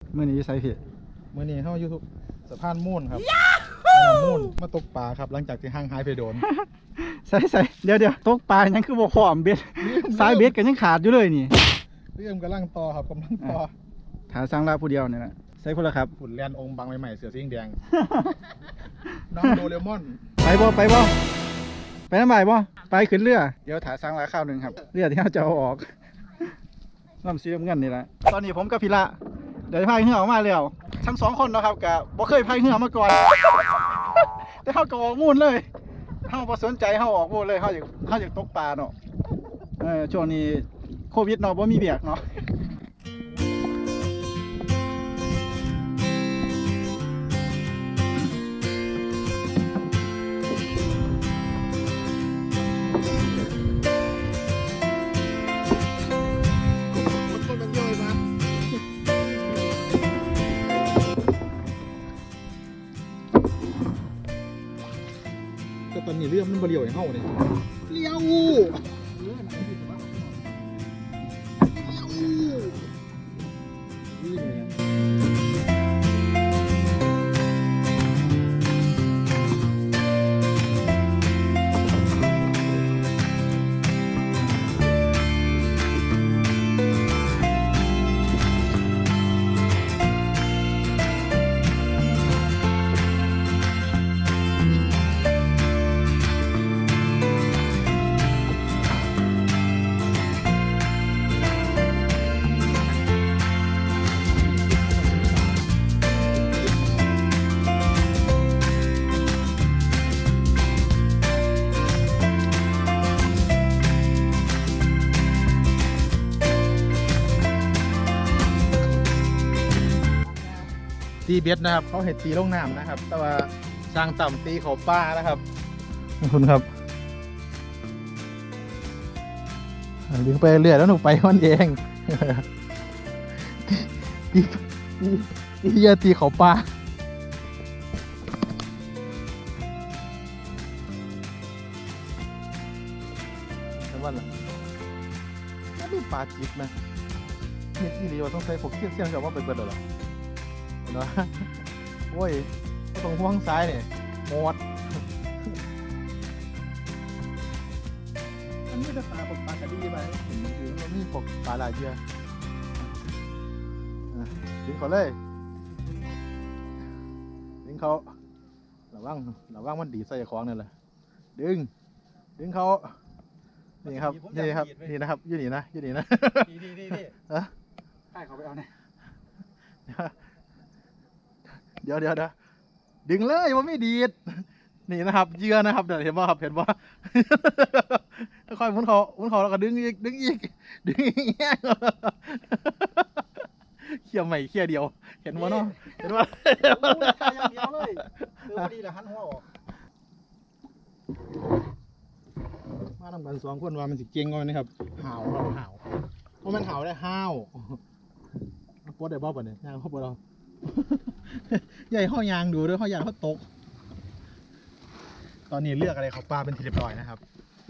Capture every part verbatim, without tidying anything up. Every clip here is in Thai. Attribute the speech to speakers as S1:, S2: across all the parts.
S1: เมื่อนี้ใส่ผิด
S2: เมื่อนี้เข้าอยู่สะพานมูนครับมูนมาตกปลาครับหลังจากที่ห่างหายไปโดน
S1: ใส่ใส่เดี๋ยวเดี๋ยวตกปลายังคือบ่พร้อมเบ็ดสายเบ็ดกันยังขาดอยู่เลยนี่
S2: เรื่องกำลังต่อครับกำลังต่อ
S1: ถาสร้างลาผู้เดียวนี่แหละใส่พุ่นละครับ
S2: หุ่นแลนองค์บางใหม่ๆเสือสีแดง น้องโดเรมอน
S1: ไปบ่ไปบ่ไปน้ำใบบ่ไปขึ้นเรือเดี๋ยวถาสร้างลาข้าวหนึ่งครับเรือที่เราจะเอาออกน้ำซีน้ำเงินนี่แหละตอนนี้ผมกับพี่ละเดี๋ยวพายเรือออกมาแล้วทั้งสองคนนะครับกับบ่เคยพายเรือมาก่อน แต่เขาก็ออกมูนเลยเขาบ่สนใจเขาออกมูนเลยเขาอยากเขาอยากตกปลาเนาะเออช่วงนี้โควิดเนาะบ่มีเบียกเนาะ
S2: ก็ตอนนี้เรื่องมันบริโภคอย่างเฮาเนี่ยเลี้ยวตีเบ็ดนะครับเขาเห็ดตีลงน้ำนะครับ แต่ว่าสร้างต่ำตีเขาป้านะครับขอบคุณครับดึงไปเรื่อยแล้วหนูไปมันเองตีตีตีเยอะตีเขาป้าแต่ว่าล่ะน่าดูปลาจิบนะเนี่ยที่นี่ว่าต้องใส่พวกเสี่ยงเสี่ยงจะว่าไปเบิดหรอเนาะโอ้ยตรงห่วงซ้ายเนี่ยหมดอันนี้จะปลาปลากระดีไปเห็นมันคือมันมีปกปลาหลายเชือกดึงเขาเลยดึงเขาระวังระวังมันดีใส่คล้องนี่แหละดึงดึงเขานี่ครับนี่ครับนี่นะครับยืดหนีนะยืดหนีนะดีดีดีดีเออให้เขาไปเอาเนี่ยเดี๋ยวเดี๋ยวเดี๋ยวดึงเลยว่าไม่ดีดนี่นะครับเยื่อนะครับเดี๋ยวเห็นว่าครับเห็นว่าค่อยหมุนเขาหมุนเขาแล้วก็ดึงอีกดึงอีกดึงอีกเขี่ยใหม่เขี่ยเดียวเห็นว่าเนาะเห็นว่าอย่างเดียวเลยคือพอดีแหละหันหัวออกมาทำกันสองคนว่ามันสิเก่งก่อนนะครับห่าวเราห่าวเพราะมันห่าวได้ห่าวปวดได้บ้าป่ะเนี่ยยางเขาปวดเราใหญ่ข้อยางดูด้วยข้อยางเขาตกตอนนี้เลือกอะไรเขาปลาเป็นทีเรียบร้อยนะครับ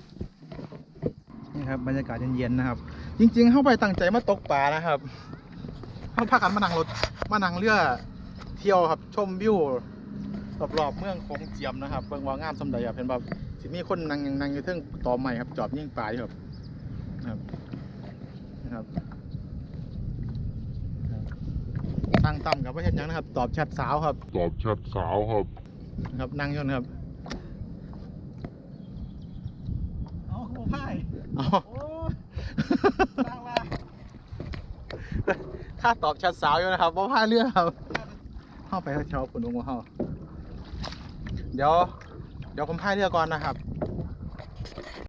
S2: นี่ครับบรรยากาศเย็นๆนะครับจริงๆเข้าไปตั้งใจมาตกปลานะครับเขาพากันมานั่งรถมานั่งเรือเที่ยวครับชมวิวรอบๆเมืองโขงเจียมนะครับเบิ่งว่างามสมใดครับเห็นแบบสิมีคนนั่งนั่งอยู่เทิงตอใหม่ครับจอบยิงปลาอยู่ครับนะครับนะครับตั้งต่ำกับประเทศยังนะครับตอบแชทสาวครับ
S3: ตอบแชทสาวครับ
S2: นะครับนั่งยนต์ครับเอาโอ้พ่ายเอาตั้งมาถ้าตอบแชทสาวอยู่นะครับว่าพ่ายเรื่องครับเข้าไปเช้าผลลงมาเข้าเดี๋ยวเดี๋ยวผมพายเรือก่อนนะครับ